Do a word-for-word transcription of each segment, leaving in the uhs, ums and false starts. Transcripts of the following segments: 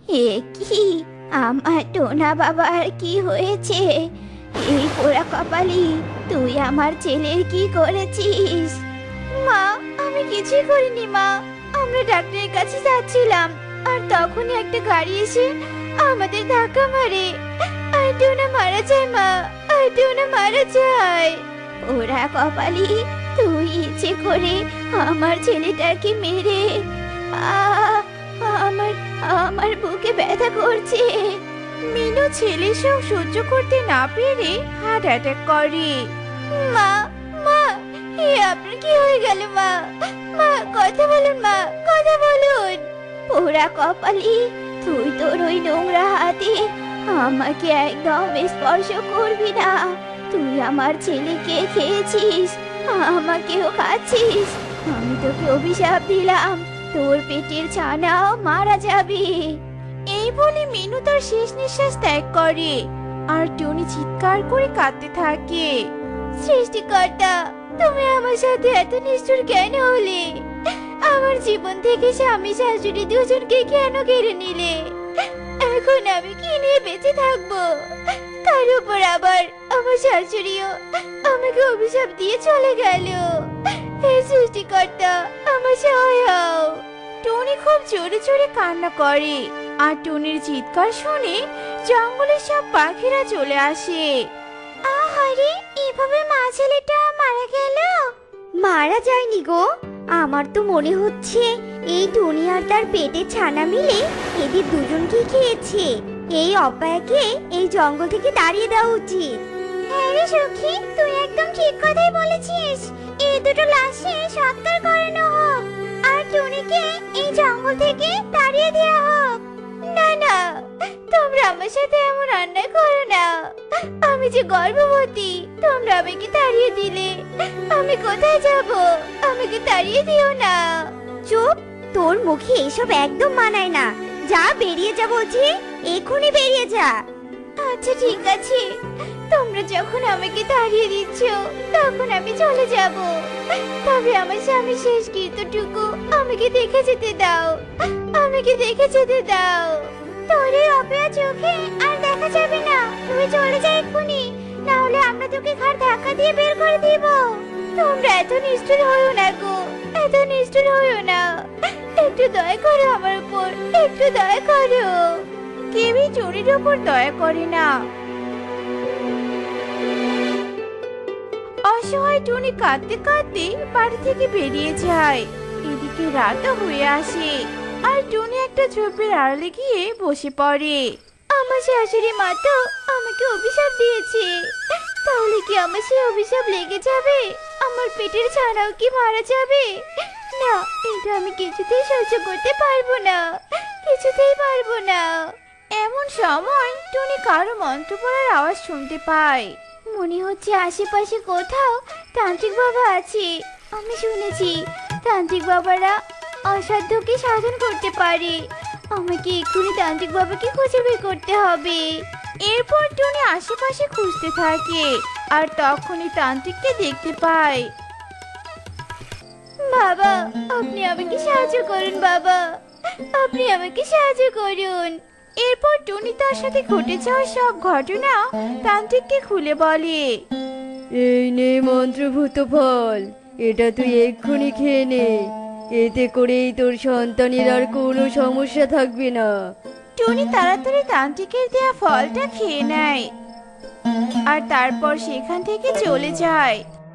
এ কি, আমার টোনা বাবার কি হয়েছে? এই পোড়া কপালি, তুই আমার ছেলের কি করেছিস? মা, আমি কিছুই করিনি মা। আমরা ডাক্তারের কাছে যাচ্ছিলাম, আর তখনই একটা গাড়ি এসে আমাদের ধাক্কা মারে, আর টোনা মারা যায় মা, আর টোনা মারা যায়। ওরা কপালি, তুই ইচ্ছে করে আমার ছেলেটাকে মেরে, আহ আমার আমার বুকে ব্যথা করছে। মিনু ছেলে সব সহ্য করতে না পেরে হার্ট অ্যাটাক করে। মা, মা, এ আপনার কি হয়ে গেল মা? মা, কথা বলুন মা, কথা বলুন। পোড়া কপালি, তুই তোর ওই নোংরা হাতে আমাকে একদম স্পর্শ করবি না। তুই আমার ছেলেকে খেয়েছিস, আমাকেও খাচ্ছিস। আমি তোকে অভিশাপ দিলাম, তোর পেটের ছানাও মারা যাবে। এই বলে মিনু তার শেষ নিঃশ্বাস ত্যাগ করে, আর টনি চিৎকার করে কাঁদতে থাকে। সৃষ্টিকর্তা, তুমি আমার সাথে এত নিষ্ঠুর কেন হলে? আমার জীবন থেকে স্বামী শাশুড়ি দুজনকে কেন কেড়ে নিলে? এখন আমি কি নিয়ে বেঁচে থাকবো? তার উপর আবার আমার শাশুড়িও আমাকে অভিশাপ দিয়ে চলে গেল। হে সৃষ্টিকর্তা, আমার সহায় হও। টনি খুব জোরে জোরে কান্না করে, আর টনির চিৎকার শুনে জঙ্গলের সব পাখিরা চলে আসে। আহারে, এভাবে মা ছেলেটা মারা গেল? মারা যায়নি গো, আমার তো মনে হচ্ছে এই টনি আর তার পেটের ছানা মিলে এদের দুজনকে খেয়েছে। এই অপায়কে এই জঙ্গল থেকে তাড়িয়ে দেওয়া উচিত। হ্যাঁ রে সখী, তুই একদম ঠিক কথাই বলেছিস। এই দুটো লাশে সৎকার করানো হোক, আর টনিকে এই জঙ্গল থেকে তাড়িয়ে দেওয়া হোক। না না, তোমরা আমার সাথে এমন অন্যায় করো না। আমি যে গর্ভবতী, তোমরা আমাকে তাড়িয়ে দিলে আমি কোথায় যাব? আমাকে তাড়িয়ে দিও না। চুপ, তোর মুখে এসব একদম মানায় না। যা, বেরিয়ে যা বলছি, এখনই বেরিয়ে যা। আচ্ছা ঠিক আছে, তোমরা যখন আমাকে তাড়িয়ে দিচ্ছ তখন আমি চলে যাব। তবে আমার স্বামীর শেষ কৃত্যটুকু আমাকে দেখে যেতে দাও, আমাকে দেখে যেতে দাও। তোর এই অপয়া চোখে আর দেখা যাবে না। তুই চলে যা এক্ষুনি, না হলে আমরা তোকে ঘাড় ধাক্কা দিয়ে বের করে দিব। তোমরা এত নিষ্ঠুর হইও না গো, এত নিষ্ঠুর হইও না। একটু দয়া করো আমার উপর, একটু দয়া করো। কেউই চোরের উপর দয়া করে না। অসহায় টনি কাঁদতে কাঁদতে বাড়ি থেকে বেরিয়ে যায়। এদিকে রাতও হয়ে আসে, আর টনি একটা ঝোপের আড়ালে গিয়ে বসে পড়ে। আমার শাশুড়ি মা তো আমাকে অভিশাপ দিয়েছে, তাহলে কি আমার সেই অভিশাপ লেগে যাবে? আমার পেটের ছানাও কি মারা যাবে? না, এটা আমি কিছুতেই সহ্য করতে পারবো না, কিছুতেই পারবো না। এমন সময় টনি কারো মন্ত্র পড়ার আওয়াজ শুনতে পায়। মনে হচ্ছে আশেপাশে কোথাও তান্ত্রিক বাবা আছে। আমি শুনেছি তান্ত্রিক বাবারা অসাধ্যকে সাধন করতে পারে। আমাকে এক্ষুনি তান্ত্রিক বাবাকে খুঁজে বের করতে হবে। এরপর টনি আশেপাশে খুঁজতে থাকে, আর তখনই তান্ত্রিককে দেখতে পায়। বাবা, আপনি আমাকে সাহায্য করুন বাবা, আপনি আমাকে সাহায্য করুন। এরপর টনি তার সাথে ঘটে যাওয়া সব ঘটনা তান্ত্রিককে খুলে বলে। এই নে মন্ত্রভূত ফল, এটা তুই এক্ষুনি খেয়ে নে। এতে করেই তোর সন্তানের আর কোনো সমস্যা থাকবে না। টনি তাড়াতাড়ি তান্ত্রিকের দেয়া ফলটা খেয়ে নেয়, আর তারপর সেখান থেকে চলে যায়।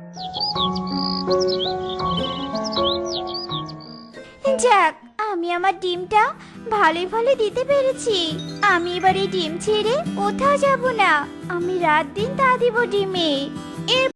যাক, আমি আমার ডিমটা ভালোই ভালো দিতে পেরেছি। আমি এবার এই ডিম ছেড়ে কোথাও যাব না। আমি রাত দিন তা দিব ডিমে।